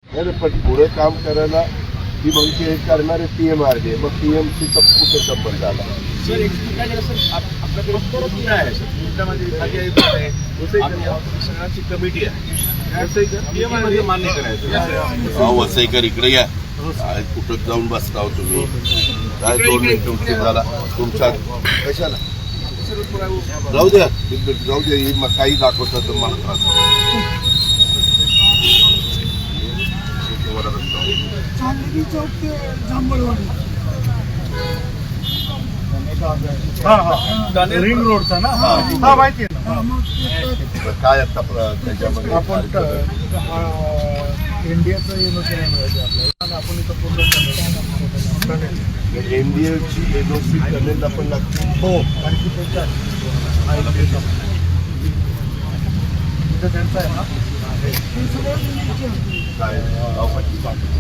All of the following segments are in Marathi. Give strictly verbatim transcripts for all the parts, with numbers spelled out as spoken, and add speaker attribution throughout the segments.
Speaker 1: नाही पण पुढे काम करायला ती मग ते करणारे पीएमआरडीए मग पीएमसीचा कुठे संबंध आला.
Speaker 2: सर काय सर आपल्याकडे कुठं आहे सर कुठल्यामध्ये खाली आहे सगळ्यांची कमिटी आहे मान्य करायचं.
Speaker 1: वसईकर इकडे या काय कुठं जाऊन बसता तुम्ही काय दोन मिनिटं उशीर झाला तुमच्या कशाला जाऊ द्या जाऊ द्या मग काही दाखवतात तर मला त्रास
Speaker 3: चांदणी चौक ते जांभळवाडी
Speaker 2: रिंग रोडचा ना
Speaker 3: हा माहिती आहे ना. मग ते
Speaker 1: काय आता त्याच्यामध्ये
Speaker 3: आपण इंडियाचं एनओसी नाही मिळायचं आपल्याला आणि आपण इथं पूर्ण
Speaker 1: एनडीएची एनओसी करण्याला पण लागते.
Speaker 3: हो आणि ती त्यांच्या इथं त्यांचं आहे ना
Speaker 1: काय गावपट्टी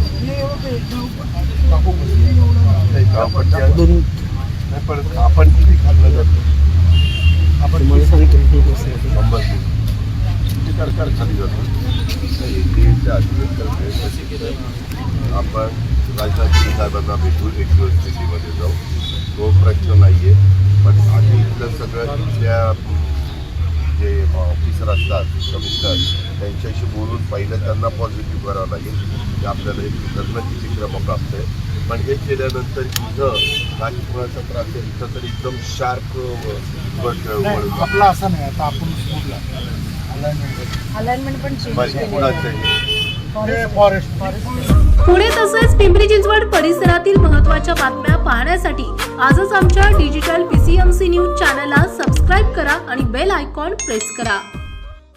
Speaker 3: गावपट्टी
Speaker 1: गावपट्टी नाही पण आपण किती खाल्लं जातं
Speaker 3: आपण मला सांगितलं
Speaker 1: शंभर किती सरकार खाली जातो आपण राजनाथ साहेबांना भेटून एक दिवस दिल्लीमध्ये जाऊ तो प्रश्न नाही आहे. पण आधी इथलं सगळं इथल्या जे ऑफिसर असतात कमिशनर त्यांच्याशी बोलून पहिलं त्यांना पॉझिटिव्ह करावं लागेल की आपल्याला एक करणं किती क्रमप्राप्त आहे. पण हे केल्यानंतर इथं काही कुणाचा त्रास आहे इथं तर एकदम शार्प
Speaker 3: आपला असं नाही. आता आपण स्कूलला
Speaker 4: अलाइनमेंट पण चेंज
Speaker 1: कुणाचं आहे
Speaker 3: फॉरेस्ट
Speaker 5: पुणे तसेच पिंपरी चिंचवड परिसरातील महत्त्वाच्या बातम्या पाहण्यासाठी आजच आमच्या डिजिटल पीसीएमसी न्यूज चॅनलला सबस्क्राईब करा आणि बेल आयकॉन प्रेस करा.